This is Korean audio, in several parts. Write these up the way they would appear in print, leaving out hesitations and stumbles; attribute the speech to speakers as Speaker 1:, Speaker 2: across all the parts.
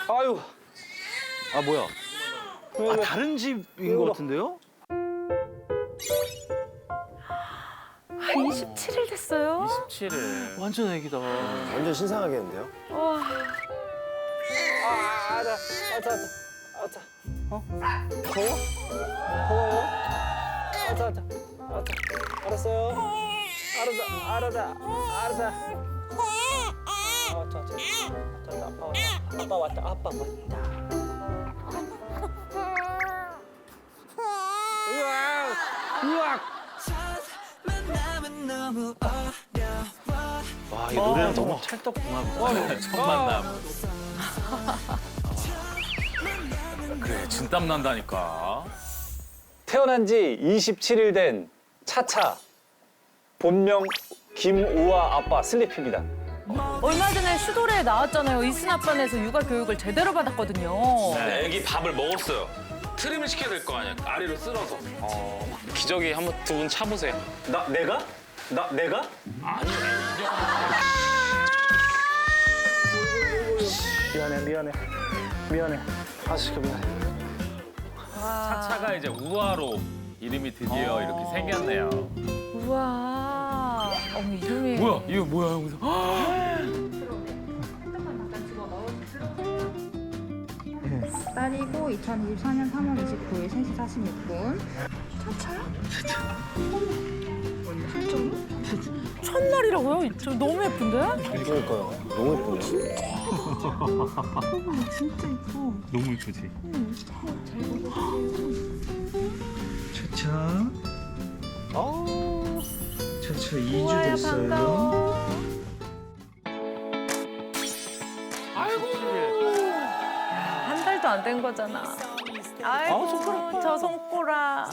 Speaker 1: 아유.
Speaker 2: 아 뭐야? 아 다른 집인 것 같은데요?
Speaker 3: 27일 됐어요?
Speaker 4: 27일.
Speaker 2: 완전 애기다.
Speaker 5: 완전 신상하겠는데요?
Speaker 3: 와.
Speaker 1: 아자. 더워? 더워요? 아자. 알았어요. 알았어. 아빠 왔다. 으악.
Speaker 2: 와, 이 노래는 너무 찰떡궁합이다.
Speaker 4: 첫 만남. 그래, 진땀 난다니까.
Speaker 1: 태어난 지 27일 된 차차. 본명 김우아 아빠 슬리피입니다.
Speaker 3: 얼마 전에 슈도레에 나왔잖아요. 이순 아빠네에서 육아 교육을 제대로 받았거든요.
Speaker 6: 네, 애기 밥을 먹었어요. 트림을 시켜야 될 거 아니야. 아래로 쓸어서. 기저귀 한번 두 분 차보세요.
Speaker 1: 내가? 미안해. 아저씨가 미안해.
Speaker 4: 차차가 이제 우아로 이름이 드디어 이렇게 생겼네요.
Speaker 3: 우와. 어머, 이름이.
Speaker 4: 뭐야? 이거 뭐야? 여기서.
Speaker 7: 딸이고 2024년 3월 29일 3시 46분.
Speaker 3: 첫날이라고요? 저 너무 예쁜데?
Speaker 5: 그러니까요. 너무 예쁘네.
Speaker 7: 진짜 예뻐.
Speaker 2: 너무 예쁘지? 차차. 차차 2주
Speaker 3: 우와야, 반가워. 한 달도 안 된 거잖아. 아이고, 저 손꼬라.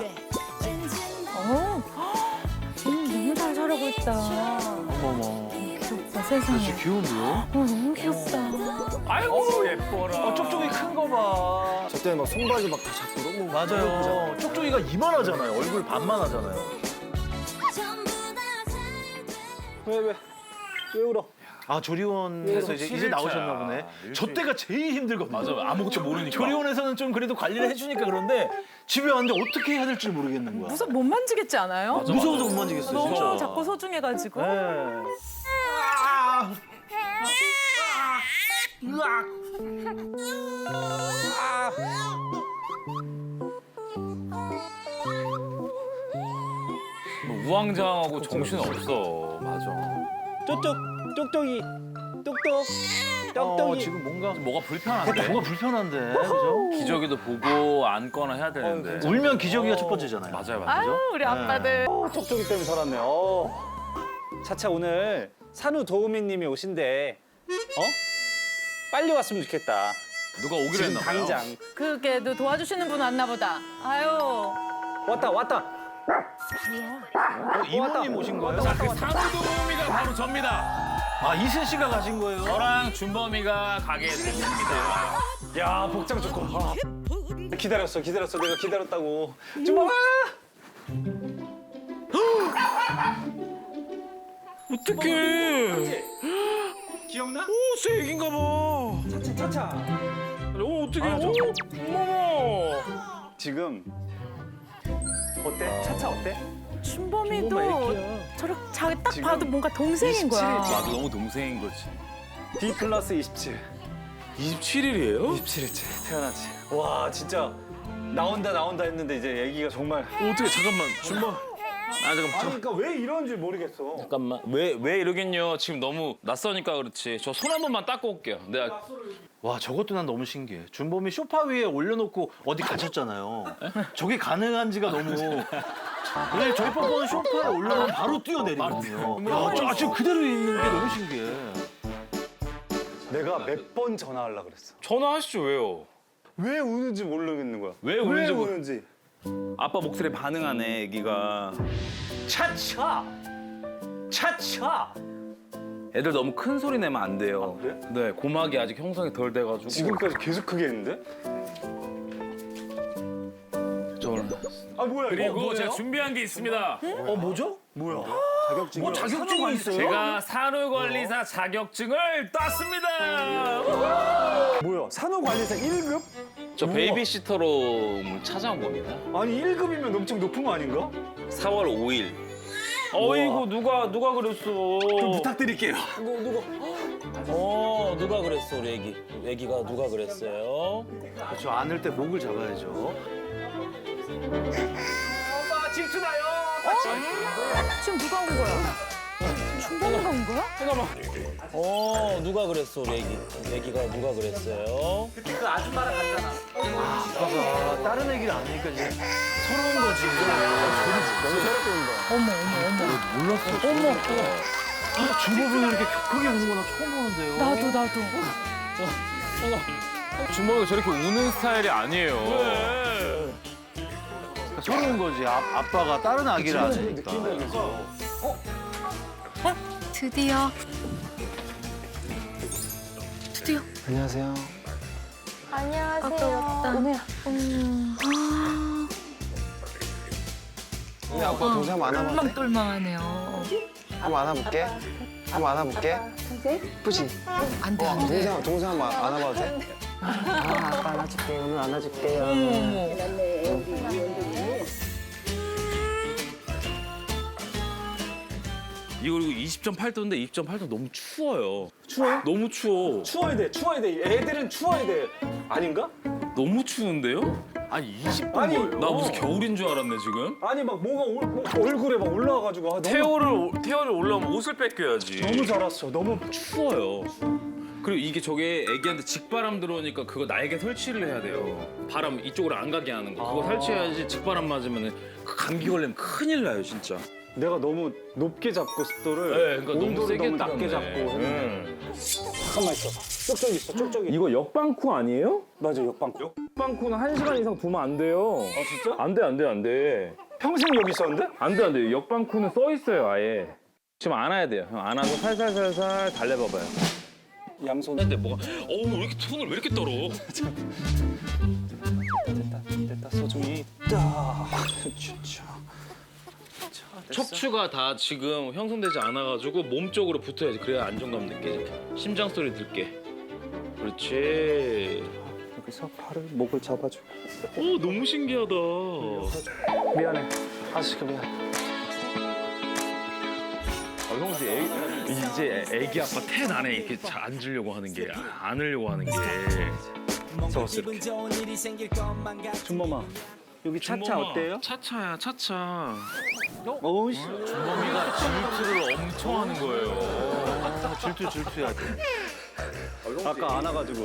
Speaker 3: 너무 잘 자라고 있다.
Speaker 2: 어머머.
Speaker 3: 귀엽다, 세상에.
Speaker 2: 진짜 귀여운데요?
Speaker 3: 너무 귀엽다.
Speaker 4: 아이고, 예뻐라.
Speaker 2: 쪽쪽이 큰 거 봐.
Speaker 5: 저 때는 막 손바지 막 다 잡고 너무
Speaker 2: 맞아요. 쪽쪽이가 이만하잖아요. 얼굴 반만 하잖아요.
Speaker 1: 왜 울어?
Speaker 2: 아 조리원에서 이제
Speaker 4: 7일차.
Speaker 2: 나오셨나 보네. 저 때가 제일 힘들거든요.
Speaker 4: 맞아, 아무것도 모르니까.
Speaker 2: 조리원에서는 좀 그래도 관리를 해주니까 그런데 집에 왔는데 어떻게 해야 될지 모르겠는 거야.
Speaker 3: 못 만지겠지 않아요?
Speaker 2: 무서워서 못 만지겠어요,
Speaker 3: 너무
Speaker 2: 진짜.
Speaker 3: 자꾸 소중해가지고.
Speaker 2: 네.
Speaker 4: 뭐 우왕좌왕하고 정신 없어. 맞아.
Speaker 1: 똑똑이.
Speaker 2: 지금 뭔가
Speaker 4: 뭐가 불편한데?
Speaker 2: 뭔가 불편한데, 그죠?
Speaker 4: 기저귀도 보고 안거나 해야 되는데.
Speaker 2: 울면 기저귀가 첫 번째잖아요.
Speaker 4: 맞아요.
Speaker 3: 아유, 우리 아빠들.
Speaker 1: 쪽쪽이 때문에 살았네. 차차 오늘 산후 도우미님이 오신대. 빨리 왔으면 좋겠다.
Speaker 4: 누가 오기로
Speaker 1: 지금
Speaker 4: 했나 봐요.
Speaker 1: 당장.
Speaker 3: 그게 너 도와주시는 분 왔나 보다. 아유.
Speaker 1: 왔다.
Speaker 2: 이모님 오신 거예요?
Speaker 4: 자, 그 산후도우미가 바로 접니다.
Speaker 2: 아 이순 씨가 가신 거예요?
Speaker 4: 저랑 준범이가 가게 됐습니다.
Speaker 1: 야 복장 좋고. 기다렸어. 내가 기다렸다고. 주먹아.
Speaker 4: 어떡해.
Speaker 1: 기억나?
Speaker 4: 오, 새 얘긴가 봐.
Speaker 1: 차차.
Speaker 4: 오, 어떡해.
Speaker 1: 아,
Speaker 4: 어머.
Speaker 1: 지금 어때? 차차 어때?
Speaker 3: 춘범이도 저렇게 딱 봐도 뭔가 동생인 거야.
Speaker 4: 나도 너무 동생인 거지.
Speaker 1: D 플러스 27.
Speaker 4: 27일이에요?
Speaker 1: 27일째 태어나지. 와 진짜 나온다 했는데 이제 얘기가 정말.
Speaker 4: 어떻게 잠깐만. 준범. 잠깐만.
Speaker 1: 그러니까 왜 이런지 모르겠어.
Speaker 6: 잠깐만. 왜 이러겠냐. 지금 너무 낯서니까 그렇지. 저 손 한 번만 닦고 올게요. 내가
Speaker 2: 와 저것도 난 너무 신기해. 준범이 소파 위에 올려놓고 어디 가셨잖아요. 저게 가능한지가 너무. 왜 저희 뻔뻔은 소파에 올려놓으면 바로 뛰어내리거든요. 야, 지금 그대로 있는 게 너무 신기해.
Speaker 1: 내가 몇 번 전화하려고 그랬어.
Speaker 6: 전화하시죠. 왜요?
Speaker 1: 왜 우는지 모르겠는 거야.
Speaker 6: 왜 우는지 모르-
Speaker 1: 우는지.
Speaker 6: 아빠 목소리에 반응하네, 애기가.
Speaker 1: 차차.
Speaker 6: 애들 너무 큰 소리 내면 안 돼요.
Speaker 1: 아, 그래?
Speaker 6: 네, 고막이 아직 형성이 덜 돼가지고.
Speaker 1: 지금까지 계속 크게 했는데? 아 뭐야?
Speaker 4: 그리고 제가 준비한 게 있습니다.
Speaker 2: 뭐죠?
Speaker 1: 뭐야?
Speaker 5: 자격증이
Speaker 2: 뭐 자격증이 있어요?
Speaker 4: 제가 산후관리사 자격증을 땄습니다.
Speaker 1: 뭐야? 산후관리사 1급?
Speaker 6: 저 베이비시터로 찾아온 겁니다.
Speaker 1: 아니 1급이면 엄청 높은 거 아닌가?
Speaker 6: 4월 5일.
Speaker 4: 어이구 누가 그랬어?
Speaker 1: 좀 부탁드릴게요.
Speaker 8: 누가 그랬어 우리 애기가 누가 그랬어요?
Speaker 2: 그렇죠. 안을 때 목을 잡아야죠.
Speaker 3: 지금 누가 온 거야? 준범이가 온 거야?
Speaker 8: 누가 그랬어 우리 애기가 누가 그랬어요?
Speaker 2: 아빠가 다른 얘기를 안 하니까 이제 서러운 거지. 몰랐어. 주먹을 이렇게 격하게 우는 거나 처음 보는데요.
Speaker 3: 나도.
Speaker 4: 준범이가 저렇게 우는 스타일이 아니에요.
Speaker 2: 그러니까 서러운 거지. 아빠가 다른 아기를 안 하니까.
Speaker 3: 드디어.
Speaker 5: 안녕하세요. 우리 아빠 동생 한번 안아봐도 돼?
Speaker 3: 똘망하네요.
Speaker 5: 한번 안아볼게. 한번 안아볼게. 예쁘지?
Speaker 3: 안 돼, 안 돼.
Speaker 5: 동생 한번 안아봐도 돼? 아빠 안아줄게. 오늘 안아줄게요.
Speaker 6: 이거 그리고 20.8도인데 20.8도 너무 추워요. 추워요? 너무 추워.
Speaker 1: 추워야 돼. 애들은 추워야 돼. 아닌가?
Speaker 6: 너무 추운데요?
Speaker 4: 아니 20분
Speaker 1: 아니,
Speaker 4: 거예요.
Speaker 6: 나 무슨 겨울인 줄 알았네 지금.
Speaker 1: 아니 막 뭐가 얼굴에 막 올라와가지고 아,
Speaker 6: 태열을 올라오면 옷을 뺏겨야지.
Speaker 1: 너무 잘았어. 너무
Speaker 6: 추워요. 그리고 이게 저게 애기한테 직바람 들어오니까 그거 날개 설치를 해야 돼요. 바람 이쪽으로 안 가게 하는 거. 그거 설치해야지 직바람 맞으면 그 감기 걸리면 큰일 나요 진짜.
Speaker 1: 내가 너무 높게 잡고 습도를
Speaker 6: 네, 그러니까 너무
Speaker 1: 온도를
Speaker 6: 세게
Speaker 1: 너무 낮게
Speaker 6: 틀었네.
Speaker 1: 잡고 했는데. 잠깐만 있어. 쪽쪽이 있어. 쪽쪽이.
Speaker 9: 이거 역방쿠 아니에요?
Speaker 1: 맞아 역방구.
Speaker 9: 역방쿠는 1시간 이상 두면 안 돼요.
Speaker 1: 아 진짜?
Speaker 9: 안 돼.
Speaker 1: 평생 여기 있었는데?
Speaker 9: 안 돼. 역방쿠는 써 있어요, 아예. 지금 안아야 돼요. 형 안아서 살살살살 달래봐봐요.
Speaker 1: 양손.
Speaker 6: 근데 뭐가 어우 왜 이렇게 손을 왜 이렇게 떨어?
Speaker 1: 됐다. 소중히. 딱.
Speaker 6: 척추가 다 지금 형성되지 않아가지고 몸 쪽으로 붙어야지. 그래야 안정감 느끼지. 심장 소리 들게. 그렇지.
Speaker 1: 여기서 팔을 목을 잡아줘.
Speaker 6: 오 너무 신기하다.
Speaker 1: 미안해. 아저씨가 미안.
Speaker 6: 형 이제 애기 아빠 텐 안에 이렇게 앉으려고 하는 게 안으려고 하는 게.
Speaker 1: 적었어 이렇게. 준범아. 여기 차차 어때요?
Speaker 6: 차차야 차차.
Speaker 1: 어우 씨.
Speaker 6: 준범이가 질투를 엄청 하는 거예요.
Speaker 2: 질투야 돼.
Speaker 1: 아까 안아가지고.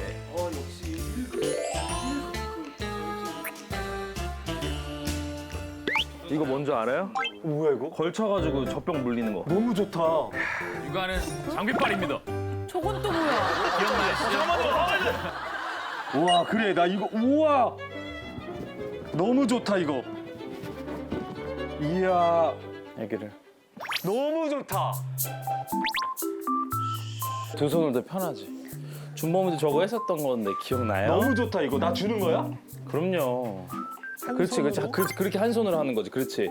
Speaker 9: 이거 뭔지 알아요?
Speaker 1: 뭐야 이거?
Speaker 9: 걸쳐가지고 젖병 물리는 거.
Speaker 1: 너무 좋다.
Speaker 4: 육아는 장비빨입니다.
Speaker 3: 저건 또 뭐야?
Speaker 1: 우와 그래 나 이거 우와 너무 좋다 이거. 이야
Speaker 9: 애기를.
Speaker 1: 너무 좋다.
Speaker 6: 두 손으로 더 편하지. 준범이도 저거 했었던 건데 기억나요?
Speaker 1: 너무 좋다 이거. 나 주는 거야?
Speaker 6: 그럼요. 그렇지. 그렇게 한 손으로 하는 거지. 그렇지.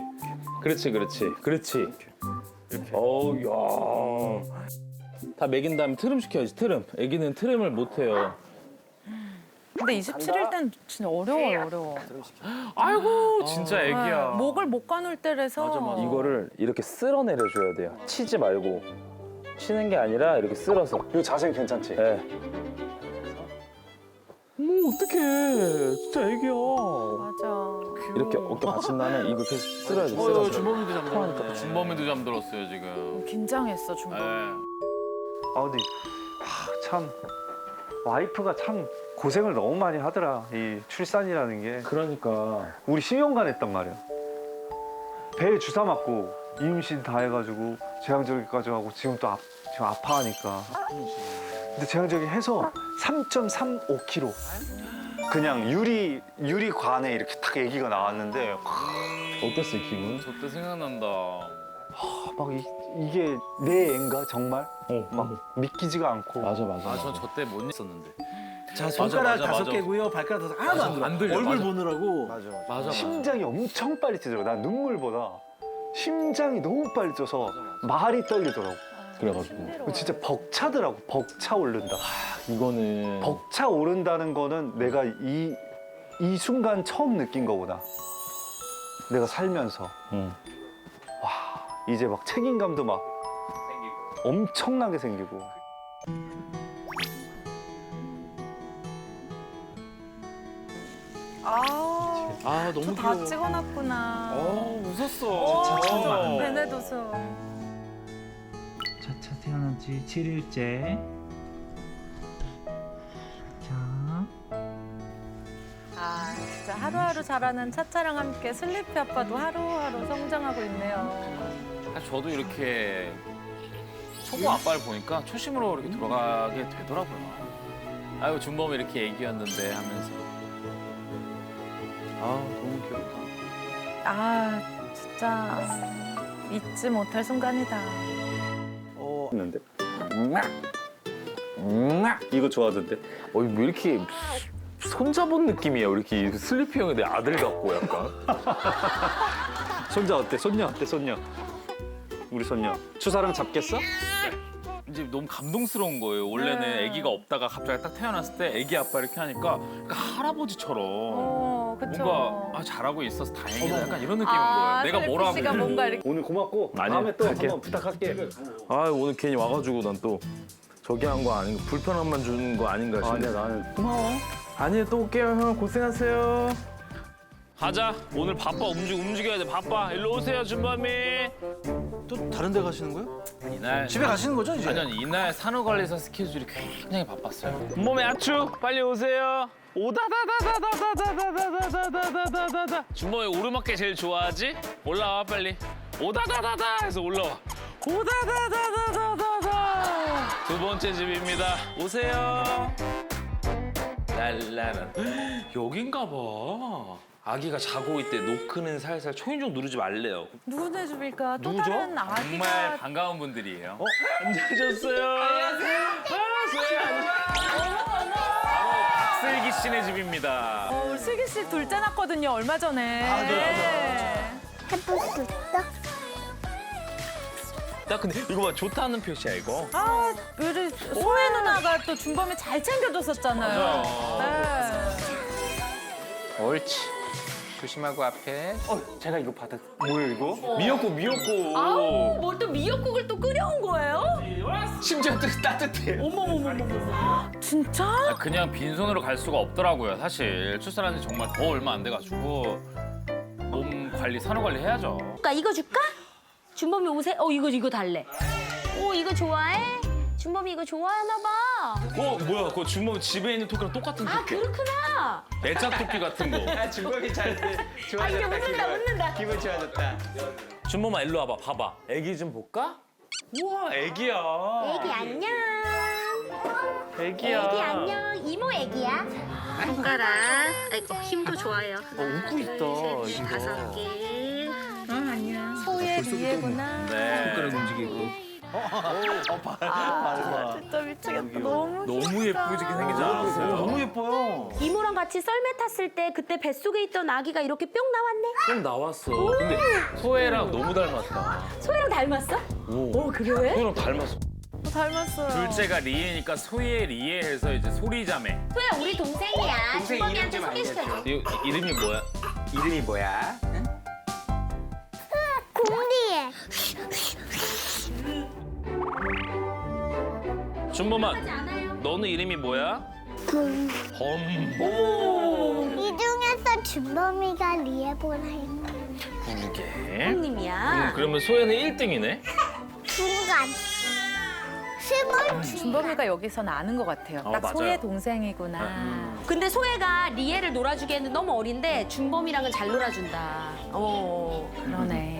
Speaker 6: 어우, 야. 다 먹인 다음에 트름 시켜야지, 트름. 애기는 트림을 못 해요.
Speaker 3: 근데 27일 땐 진짜 어려워.
Speaker 4: 아이고 진짜 애기야.
Speaker 3: 목을 못 가눌 때라서.
Speaker 9: 이거를 이렇게 쓸어내려줘야 돼요. 치지 말고. 치는 게 아니라 이렇게 쓸어서.
Speaker 1: 이거 자세는 괜찮지?
Speaker 9: 예. 어떡해. 진짜 애기야.
Speaker 3: 맞아.
Speaker 9: 이렇게 어깨 받친 다음에 이거 계속 쓸어야 돼. 쓸어서.
Speaker 2: 주먹이도 잠깐만.
Speaker 4: 준범이도 잠들었어요 지금.
Speaker 3: 긴장했어 준범.
Speaker 4: 네.
Speaker 10: 아 근데 참 와이프가 참 고생을 너무 많이 하더라. 이 출산이라는 게
Speaker 9: 그러니까.
Speaker 10: 우리 10년간 했단 말이야. 배에 주사 맞고 임신 다 해가지고 제왕절개까지 하고 지금 또 지금 아파하니까. 근데 제왕절개 해서 3.35kg 그냥 유리관에 이렇게 딱 아기가 나왔는데
Speaker 9: 어땠어요, 기분?
Speaker 4: 저때 생각난다.
Speaker 10: 막 이게 내 애인가 정말 막 믿기지가 않고.
Speaker 9: 맞아.
Speaker 4: 전 저 때 못 있었는데.
Speaker 2: 자 손가락
Speaker 6: 맞아.
Speaker 2: 5개고요. 발가락 5개 하나도 안 들어.
Speaker 4: 안 들려,
Speaker 2: 얼굴
Speaker 4: 맞아.
Speaker 2: 보느라고.
Speaker 6: 맞아.
Speaker 10: 심장이 엄청 빨리 뛰더라고. 난 눈물보다 심장이 너무 빨리 뛰어서 말이 떨리더라고.
Speaker 9: 그래가지고.
Speaker 10: 진짜 벅차더라고. 벅차 오른다.
Speaker 9: 이거는
Speaker 10: 벅차 오른다는 거는 내가 이 순간 처음 느낀 거구나. 내가 살면서. 와, 이제 막 책임감도 막 엄청나게 생기고.
Speaker 2: 아 너무
Speaker 3: 다
Speaker 2: 귀여워.
Speaker 3: 찍어놨구나.
Speaker 6: 웃었어.
Speaker 3: 베네도서.
Speaker 11: 차차 태어난 지 7일째. 자.
Speaker 3: 아 진짜 하루하루 자라는 차차랑 함께 슬리피 아빠도 하루하루 성장하고 있네요.
Speaker 6: 사실 저도 이렇게 초보 아빠를 보니까 초심으로 이렇게 돌아가게 되더라고요. 아유 준범이 이렇게 애기였는데 하면서.
Speaker 2: 아 너무 귀엽다.
Speaker 3: 아 진짜 잊지 못할 순간이다.
Speaker 1: 했는데. 이거 좋아하던데.
Speaker 9: 뭐 이렇게 손잡은 느낌이야. 이렇게 슬리피 형이 내 아들 같고 약간.
Speaker 1: 손자 어때? 손녀 어때? 손녀. 우리 손녀. 추사랑 잡겠어?
Speaker 6: 이제 너무 감동스러운 거예요. 원래는
Speaker 3: 네.
Speaker 6: 아기가 없다가 갑자기 딱 태어났을 때 아기 아빠 이렇게 하니까 그러니까 할아버지처럼
Speaker 3: 그쵸.
Speaker 6: 뭔가 아, 잘하고 있어서 다행이다. 약간 이런 느낌인
Speaker 3: 아,
Speaker 6: 거예요. 내가 뭐라
Speaker 3: 씨가
Speaker 6: 하면
Speaker 3: 뭔가 이렇게.
Speaker 1: 오늘 고맙고
Speaker 9: 아니요,
Speaker 1: 다음에 또
Speaker 9: 갈게.
Speaker 1: 한번 부탁할게.
Speaker 9: 아 오늘 괜히 와가지고 난 또 저기 한 거 아닌가 불편함만 주는 거 아닌가 싶네.
Speaker 1: 아니야 나는
Speaker 9: 고마워. 아니 또 올게요 형 고생하세요.
Speaker 6: 가자. 오늘 바빠. 움직여야 돼. 바빠. 일로 오세요, 준범이.
Speaker 2: 또 다른 데 가시는 거예요?
Speaker 6: 이날
Speaker 2: 집에 가시는 거죠 이제?
Speaker 6: 아니 이날 산후관리사 스케줄이 굉장히 바빴어요. 몸에 아추 빨리 오세요. 오다다다다다다다다다다다다다다. 준범이 오르막길 제일 좋아하지? 올라와 빨리. 오다다다다 해서 올라와. 오다다다다다다다. 두 번째 집입니다. 오세요. 랄라라. 여긴가 봐. 아기가 자고 있대. 노크는 살살 초인종 누르지 말래요.
Speaker 3: 누구네 집일까? 또
Speaker 6: 누구죠?
Speaker 3: 다른 아기가.
Speaker 6: 정말 반가운 분들이에요. 앉으셨어요. 안녕하세요. 바로 박슬기 씨네 집입니다.
Speaker 3: 우리 슬기 씨 둘째 낳았거든요, 얼마 전에.
Speaker 7: 해볼 수 있어?
Speaker 6: 나 근데 이거 봐 좋다는 표시야 이거.
Speaker 3: 아, 우리 소혜 누나가 또 준범이 잘 챙겨줬었잖아요. 네.
Speaker 6: 옳지. 조심하고 앞에.
Speaker 1: 제가 이거 받았. 뭐야 이거?
Speaker 6: 미역국.
Speaker 3: 아우, 뭘 또 미역국을 또 끓여온 거예요?
Speaker 6: 심지어 따뜻해.
Speaker 3: 진짜?
Speaker 6: 아, 그냥 빈손으로 갈 수가 없더라고요. 사실 출산한 지 정말 더 얼마 안 돼가지고 몸 관리, 산후 관리 해야죠.
Speaker 7: 이거 줄까? 준범이 옷에 이거 달래. 이거 좋아해? 준범이 이거 좋아하나 봐.
Speaker 6: 뭐야? 그거 준범 집에 있는 토끼랑 똑같은 토끼.
Speaker 7: 그렇구나.
Speaker 6: 애자 토끼 같은 거.
Speaker 8: 준범이 잘
Speaker 7: 이제 웃는다.
Speaker 8: 기분 좋아졌다.
Speaker 6: 준범아 일로 와봐. 봐봐. 애기 좀 볼까? 우와 애기야.
Speaker 7: 애기 안녕.
Speaker 6: 애기야.
Speaker 7: 애기 안녕. 이모 애기야. 손가락. 아이고 힘도 좋아요.
Speaker 2: 웃고 있다 이거.
Speaker 7: 5개.
Speaker 3: 소혜 리에구나.
Speaker 6: 네.
Speaker 2: 움직이고.
Speaker 3: 아, 진짜 미치겠다. 너무
Speaker 6: 너무 예쁘게 생기지 않았어요?
Speaker 2: 너무 예뻐요.
Speaker 7: 이모랑 같이 썰매 탔을 때 그때 뱃속에 있던 아기가 이렇게 뿅 나왔네.
Speaker 6: 좀 나왔어. 근데 소혜랑 너무 닮았다.
Speaker 7: 소희랑 닮았어? 그래?
Speaker 6: 소혜랑 닮았어.
Speaker 3: 닮았어요.
Speaker 6: 둘째가 리에니까 소혜 리에해서 이제 소리자매.
Speaker 7: 소희야 우리 동생이야. 준범이한테 소개시켜줘.
Speaker 6: 이름이 뭐야?
Speaker 8: 이름이 뭐야?
Speaker 7: 공리에.
Speaker 6: 준범아, 너는 이름이 뭐야? 범.
Speaker 7: 이 중에서 준범이가 리에보라 했고.
Speaker 6: 그러게.
Speaker 7: 형님이야.
Speaker 6: 그러면 소혜는 1등이네?
Speaker 7: 중간. 10월
Speaker 3: 준범이가 여기서는 아는 것 같아요. 딱
Speaker 6: 맞아요.
Speaker 3: 소혜 동생이구나.
Speaker 7: 근데 소혜가 리에를 놀아주기에는 너무 어린데 준범이랑은 잘 놀아준다.
Speaker 3: 그러네.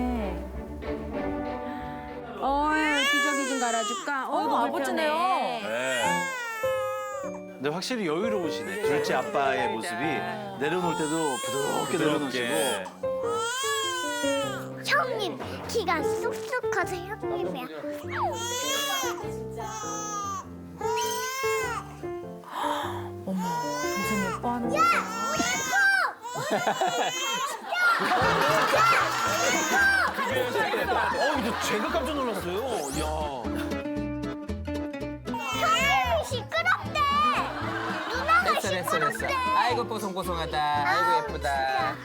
Speaker 7: 기저귀 좀 갈아줄까?
Speaker 3: 아버지네요.
Speaker 6: 네.
Speaker 2: 근데 확실히 여유로우시네. 둘째 아빠의 모습이 내려놓을 때도 부드럽게 내려놓으시고.
Speaker 7: 형님, 키가 쑥쑥 커서 형님이야.
Speaker 3: 동생 예뻐하는 거.
Speaker 2: 이거 제가 깜짝 놀랐어요. 야.
Speaker 7: 형님이 시끄럽다.
Speaker 5: 됐어. 아이고 뽀송뽀송하다. 아이고 예쁘다.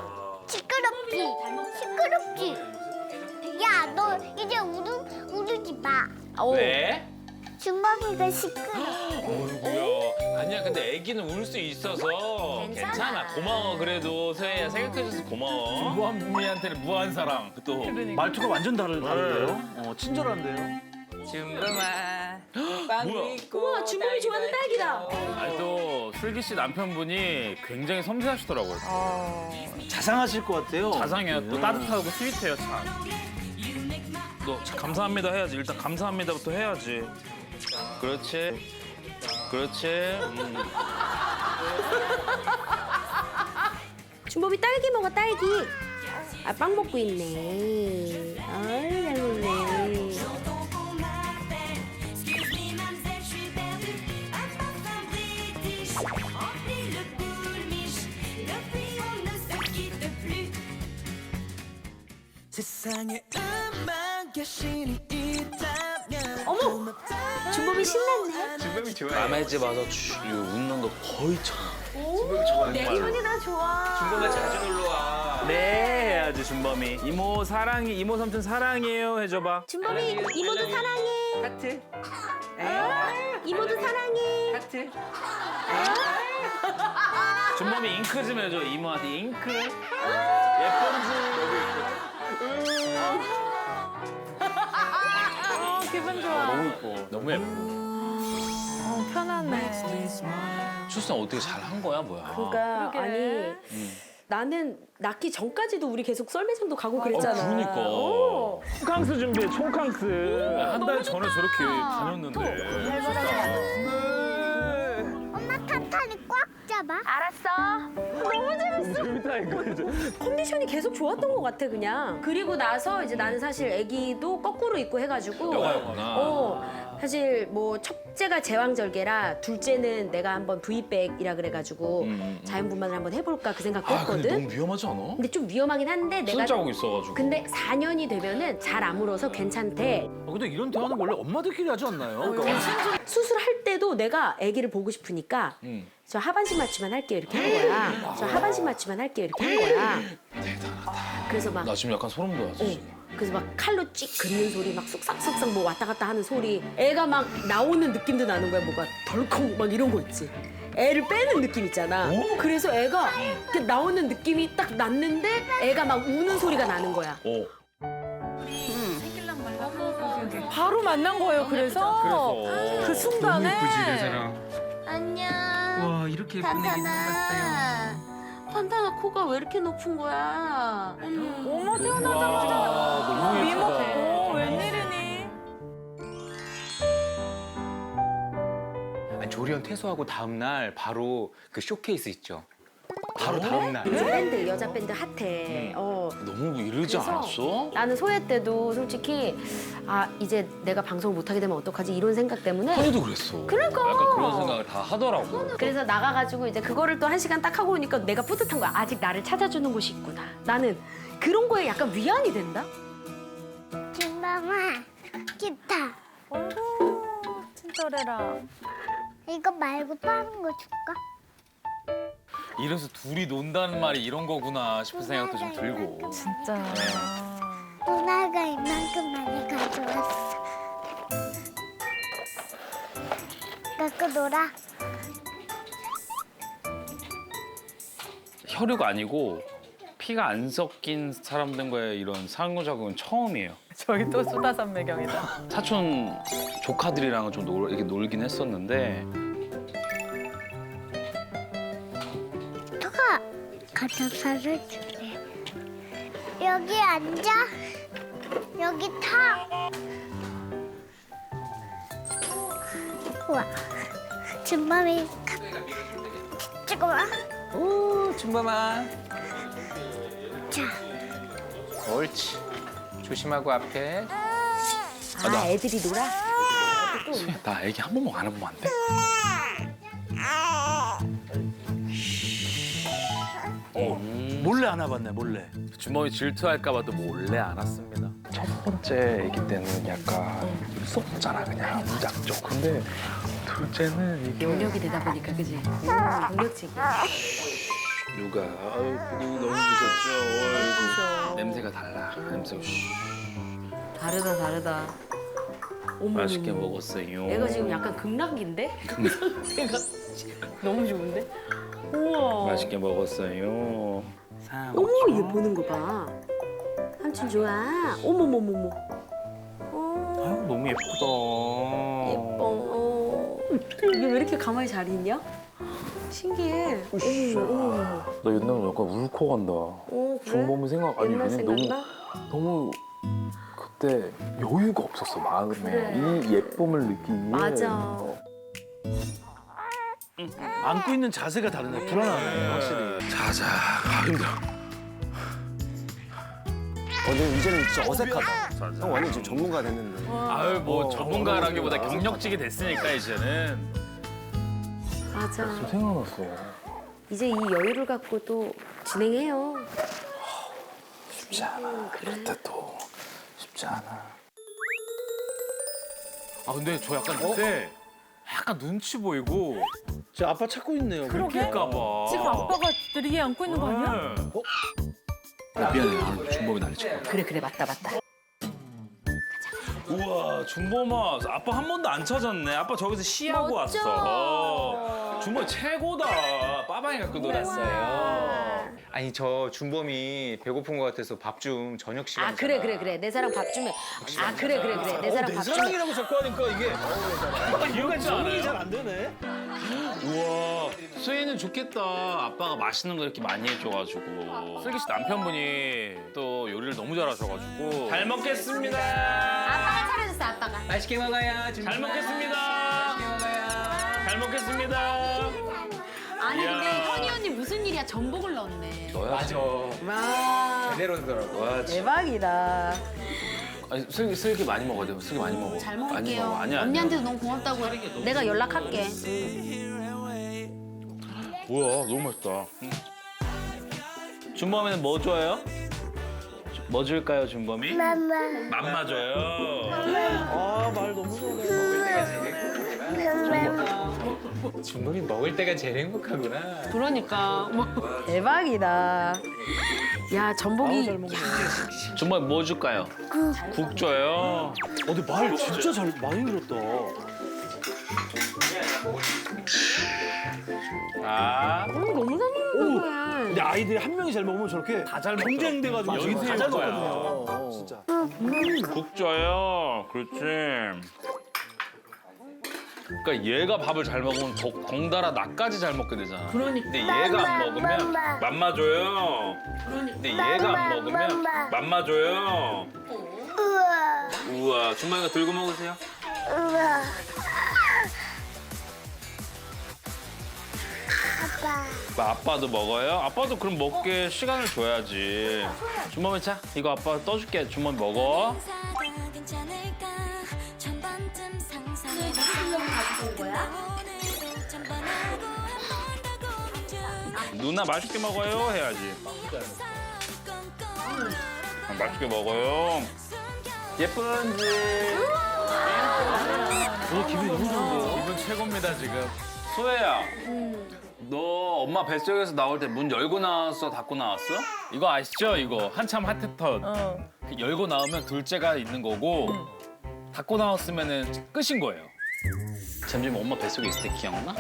Speaker 7: 시끄럽지.
Speaker 12: 야, 너 이제 우르지 마.
Speaker 6: 왜?
Speaker 12: 준범이가 시끄러.
Speaker 6: 어이구야. 아니야, 근데 애기는 울 수 있어서 괜찮아. 고마워, 그래도. 서혜야, 생각해줘서 고마워.
Speaker 4: 무한미한테는 무한 사랑. 또.
Speaker 2: 말투가 완전 다른데요? 친절한데요?
Speaker 5: 준범아. 빵도
Speaker 6: 뭐야?
Speaker 5: 있고.
Speaker 7: 우와, 준범이 좋아하는 딸기다.
Speaker 6: 아니, 또 슬기 씨 남편분이 굉장히 섬세하시더라고요.
Speaker 2: 자상하실 것 같아요.
Speaker 6: 자상해요. 또 따뜻하고 스윗해요, 참. 너 감사합니다 해야지. 일단 감사합니다부터 해야지. 그렇지. 그렇지.
Speaker 7: 준범이 딸기 먹어, 딸기. 아, 빵 먹고 있네. 아유, 잘 먹네. 어머! 준범이 신났네.
Speaker 8: 준범이 좋아해.
Speaker 6: 남의 집 와서 웃는 거 거의 처음.
Speaker 7: 내 기분이 나 좋아.
Speaker 8: 준범아 자주 놀러 와.
Speaker 6: 네, 해야지, 준범이. 이모 사랑해, 이모 삼촌 사랑해요 해줘봐.
Speaker 7: 준범이 이모도 사랑해.
Speaker 5: 하트.
Speaker 7: 이모도 사랑해.
Speaker 5: 하트.
Speaker 6: 준범이 잉크 좀 해줘, 이모한테 잉크.
Speaker 3: 기분 좋아.
Speaker 6: 너무 예뻐. 너무 예뻐.
Speaker 3: 편하네.
Speaker 6: 출산 어떻게 잘 한 거야, 뭐야?
Speaker 7: 그러니까
Speaker 3: 그러게.
Speaker 7: 아니 나는 낳기 전까지도 우리 계속 썰매장도 가고 그랬잖아.
Speaker 6: 그러니까.
Speaker 7: 어.
Speaker 9: 콩캉스 준비해, 콩캉스.
Speaker 6: 한 달 전에 저렇게 다녔는데.
Speaker 12: 엄마 탄탄이 꽉 잡아.
Speaker 9: 재밌다, 이거.
Speaker 7: 컨디션이 계속 좋았던 것 같아 그냥. 그리고 나서 이제 나는 사실 아기도 거꾸로 입고 해가지고.
Speaker 6: 여가였구나.
Speaker 7: 사실 뭐 첫째가 제왕절개라 둘째는 내가 한번 V백이라 그래가지고 자연분만을 한번 해볼까 그 생각도
Speaker 6: 아, 근데
Speaker 7: 했거든.
Speaker 6: 너무 위험하지 않아?
Speaker 7: 근데 좀 위험하긴 한데 내가.
Speaker 6: 손자국 있어가지고.
Speaker 7: 근데 4년이 되면은 잘 안 물어서 괜찮대.
Speaker 2: 근데 이런 대화는 원래 엄마들끼리 하지 않나요?
Speaker 7: 수술할 때도 내가 아기를 보고 싶으니까 저 하반신 마취만 할게요 이렇게 한 거야. 저 하반신 마취만 할게요 이렇게 한 거야.
Speaker 6: 대단하다.
Speaker 7: 그래서 막
Speaker 6: 나 지금 약간 소름 돋았어, 지금.
Speaker 7: 그래서 막 칼로 찍 긋는 소리, 막 쑥싹쑥싹 뭐 왔다 갔다 하는 소리. 애가 막 나오는 느낌도 나는 거야. 뭐가 덜컹 막 이런 거 있지. 애를 빼는 느낌 있잖아. 그래서 애가 이렇게 나오는 느낌이 딱 났는데 애가 막 우는 소리가 나는 거야.
Speaker 3: 바로 만난 거예요. 그래서 그 순간에
Speaker 7: 안녕.
Speaker 5: 와 이렇게 예쁜 애기 생겼어요.
Speaker 7: 판타나 코가 왜 이렇게 높은 거야?
Speaker 3: 어머 태어나자마자
Speaker 6: 너무
Speaker 3: 미
Speaker 6: 예쁘다.
Speaker 3: 먹고 웬일이니?
Speaker 8: 조리원 퇴소하고 다음 날 바로 그 쇼케이스 있죠. 바로 다음 날.
Speaker 7: 요즘 밴드 여자 밴드 핫해.
Speaker 6: 너무 이러지
Speaker 7: 그래서
Speaker 6: 않았어?
Speaker 7: 나는 소혜 때도 솔직히 아 이제 내가 방송을 못 하게 되면 어떡하지 이런 생각 때문에.
Speaker 6: 소희도 그랬어.
Speaker 7: 그러니까.
Speaker 6: 약간 그런 생각을 다 하더라고.
Speaker 7: 그래서 나가가지고 이제 그거를 또 1시간 딱 하고 오니까 내가 뿌듯한 거야. 아직 나를 찾아주는 곳이 있구나. 나는 그런 거에 약간 위안이 된다.
Speaker 12: 준범아, 기타.
Speaker 3: 어이구 친절해라.
Speaker 12: 이거 말고 다른 거 줄까?
Speaker 6: 이래서 둘이 논다는 말이 이런 거구나 싶은 생각도 좀 들고.
Speaker 3: 진짜.
Speaker 12: 누나가 이만큼 많이 가져왔어. 갖고 놀아.
Speaker 6: 혈육 아니고 피가 안 섞인 사람들과의 이런 상호작용은 처음이에요.
Speaker 3: 저기 또 수다산매경이다.
Speaker 6: 사촌 조카들이랑은 좀 이렇게 놀긴 했었는데
Speaker 12: 너가 가져서 줄게. 여기 앉아. 여기 타. 우와. 준범이 찍어 와.
Speaker 5: 오 준범아.
Speaker 12: 자.
Speaker 5: 옳지. 조심하고 앞에.
Speaker 7: 아 애들이 놀아?
Speaker 6: 나 애기 한 번만 안아보면 안 돼?
Speaker 2: 몰래 안아봤네, 몰래.
Speaker 6: 주머니 질투할까 봐 또 몰래 안았습니다.
Speaker 9: 첫 번째 애기 때는 약간 무섭잖아, 그냥 무작정. 근데
Speaker 4: 둘째는 이게
Speaker 7: 경력이 되다 보니까 그지? 경력직이야.
Speaker 6: 누가 너무 부셨죠. 냄새가 달라. 냄새가
Speaker 7: 다르다. 어머,
Speaker 6: 맛있게 먹었어요.
Speaker 7: 얘가 지금 약간 극락인데? 상태가 너무 좋은데? 우와.
Speaker 6: 맛있게 먹었어요.
Speaker 7: 어머, 얘 보는 거 봐. 삼촌 좋아. 어머머머머.
Speaker 6: 아유, 너무 예쁘다.
Speaker 7: 예뻐. 이게 왜 이렇게 가만히 잘 있냐? 신기해. 어머.
Speaker 4: 나 옛날에 약간 울컥한다.
Speaker 7: 그래?
Speaker 4: 준범이 생각 아니
Speaker 7: 옛날
Speaker 4: 왜냐면
Speaker 7: 생각나?
Speaker 4: 너무 그때 여유가 없었어 마음에
Speaker 7: 그래.
Speaker 4: 이 예쁨을 느끼기에.
Speaker 7: 맞아.
Speaker 2: 안고 있는 자세가 다르네. 불안하네, 확실히.
Speaker 6: 자자. 아, 힘들어.
Speaker 1: 근데 이제는 진짜 어색하다. 형 완전 지금 전문가 됐는데.
Speaker 4: 아유 뭐 전문가라기보다 경력직이 됐으니까 이제는.
Speaker 7: 맞아.
Speaker 4: 생각났어.
Speaker 7: 이제 이 여유를 갖고 또 진행해요.
Speaker 4: 쉽지 않아. 그럴 때도 쉽지 않아.
Speaker 6: 아 근데 저 약간 그때 약간 눈치 보이고
Speaker 2: 저 아빠 찾고 있네요.
Speaker 6: 그럴까 봐.
Speaker 3: 지금 아빠가 느리게 안고 있는 거 아니야?
Speaker 6: 미안해. 준범이 난리 쳐.
Speaker 7: 그래 맞다.
Speaker 6: 우와 준범아 아빠 한 번도 안 찾았네. 아빠 저기서 시하고 왔어. 준범 최고다. 빠방이 갖고 놀았어요.
Speaker 8: 아니 저 준범이 배고픈 것 같아서 밥 좀 저녁 시간.
Speaker 7: 아 그래. 내 사랑 밥 주면. 아 그래. 내 사랑
Speaker 2: 내
Speaker 7: 밥 주면.
Speaker 2: 사랑이라고 자꾸 하니까 이게 뭔가 정리 잘 안 되네.
Speaker 6: 우와 수희는 좋겠다. 아빠가 맛있는 거 이렇게 많이 해줘가지고. 슬기 씨 남편분이 또 요리를 너무 잘하셔가지고. 잘 먹겠습니다.
Speaker 7: 아빠가 차려줬어 아빠가.
Speaker 8: 맛있게 먹어요.
Speaker 6: 잘 먹겠습니다. 잘 먹겠습니다.
Speaker 7: 아니
Speaker 6: 이야.
Speaker 7: 근데 현이 언니 무슨 일이야 전복을 넣었네.
Speaker 8: 맞아.
Speaker 7: 와
Speaker 8: 제대로 하더라고. 와,
Speaker 7: 대박이다.
Speaker 6: 아니 슬기 많이 먹어야 돼. 슬기 많이 먹어.
Speaker 7: 잘
Speaker 6: 많이
Speaker 7: 먹을게요.
Speaker 6: 먹어. 아니야.
Speaker 7: 언니한테도 너무 고맙다고 내가 연락할게.
Speaker 6: 뭐야 너무 맛있다.
Speaker 2: 준범이는 뭐 좋아해요? 뭐 줄까요, 준범이?
Speaker 12: 맘마.
Speaker 6: 맘마 줘요.
Speaker 2: 아, 말 너무 잘해.
Speaker 8: 준범이 먹을 때가 제일 행복하구나.
Speaker 7: 그러니까 대박이다. 야 전복이
Speaker 6: 준범이 뭐 줄까요? 국 줘요.
Speaker 2: 근데 말 진짜 잘 많이 들었다.
Speaker 6: 아.
Speaker 7: 너무 잘 먹는 거야.
Speaker 2: 근데 아이들이 한 명이 잘 먹으면 저렇게
Speaker 6: 다 잘
Speaker 2: 경쟁돼가지고
Speaker 6: 먹더라고.
Speaker 2: 다 잘
Speaker 6: 거야.
Speaker 2: 먹거든요. 진짜.
Speaker 6: 국 줘요. 그렇지. 그러니까 얘가 밥을 잘 먹으면 덩달아 나까지 잘 먹게 되잖아.
Speaker 7: 그러니까.
Speaker 6: 근데 얘가 안 먹으면 맘마 줘요. 근데 얘가 안 먹으면 맘마 줘요.
Speaker 12: 우와.
Speaker 6: 우와, 준범이가 들고 먹으세요.
Speaker 12: 우와. 아빠.
Speaker 6: 아빠도 먹어요? 아빠도 그럼 먹게 시간을 줘야지. 준범이 자, 이거 아빠 떠줄게. 준범이 먹어. 누나 맛있게 먹어요 해야지. 맛있게 먹어요. 예쁜지.
Speaker 2: 오늘 기분이 너무 좋은데요?
Speaker 6: 기분 최고입니다 지금. 소혜야. 너 엄마 뱃속에서 나올 때 문 열고 나왔어, 닫고 나왔어? 이거 아시죠? 이거 한참 핫했던. 열고 나오면 둘째가 있는 거고 닫고 나왔으면은 끝인 거예요. 잠시만 엄마 뱃속에 있을 때 기억나?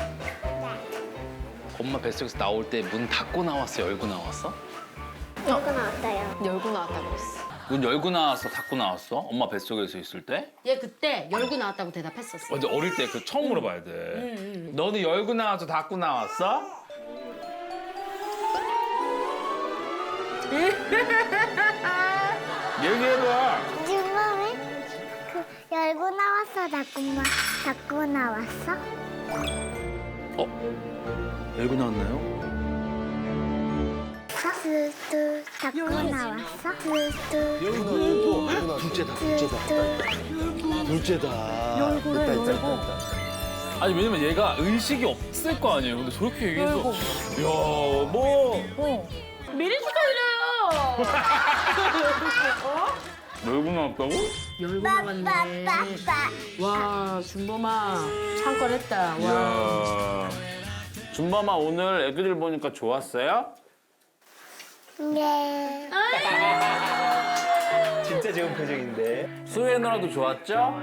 Speaker 6: 엄마 뱃속에서 나올 때 문 닫고 나왔어, 열고 나왔어?
Speaker 12: 열고 나왔어요.
Speaker 7: 열고 나왔다고 그랬어.
Speaker 6: 문 열고 나왔어, 닫고 나왔어? 엄마 뱃속에서 있을 때?
Speaker 7: 얘 그때 열고 나왔다고 대답했었어.
Speaker 6: 근데 어릴 때 그 처음 물어봐야 돼. 너는 열고 나와서 닫고 나왔어? 얘기해봐.
Speaker 12: 준범이 열고 나왔어. 닫고 나왔어.
Speaker 2: 열고 나왔나요?
Speaker 12: 뚜뚜 닫고 나왔어. 뚜뚜.
Speaker 2: 열고 둘째다.
Speaker 6: 아니 왜냐면 얘가 의식이 없을 거 아니에요. 근데 저렇게 얘기해서 야 뭐
Speaker 7: 미리 축하드려요.
Speaker 6: 열고 나왔다고?
Speaker 7: 열고 나왔네. 와, 준범아 창궐했다. 와.
Speaker 6: 이야. 준범아 오늘 애기들 보니까 좋았어요?
Speaker 12: 네.
Speaker 1: 진짜 좋은 표정인데.
Speaker 6: 수혜 누나도 좋았죠?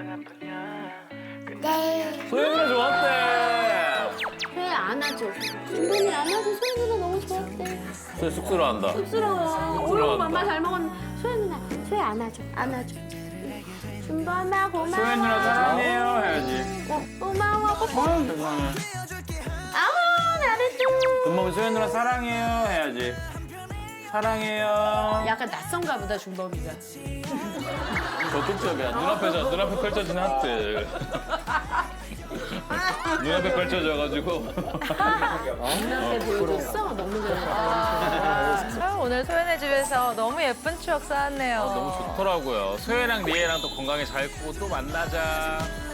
Speaker 12: 네.
Speaker 6: 수혜 누나 좋았대.
Speaker 7: 왜 안아줘? 준범이 안아줘. 소희 누나 너무 좋았대.
Speaker 6: 수혜 쑥스러워한다.
Speaker 7: 쑥스러워. 오늘 맘마 잘 먹었는데 소희 누나, 소희 안아줘. 안아줘. 준범아 고마워.
Speaker 6: 수혜 누나 사랑해요 해야지.
Speaker 7: 고마워.
Speaker 6: 세상에.
Speaker 7: 아우 잘했죠.
Speaker 6: 준범이 수혜 누나 사랑해요 해야지. 사랑해요.
Speaker 7: 약간 낯선가 보다 준범이가.
Speaker 6: 적극적이야. 눈앞에 펼쳐진 하트. 눈앞에 펼쳐져가지고.
Speaker 7: 누나한테 보여줬어? 너무 잘했다.
Speaker 3: 아, 오늘 소연의 집에서 너무 예쁜 추억 쌓았네요.
Speaker 6: 너무 좋더라고요. 수혜랑 리에랑 또 건강히 잘 크고 또 만나자.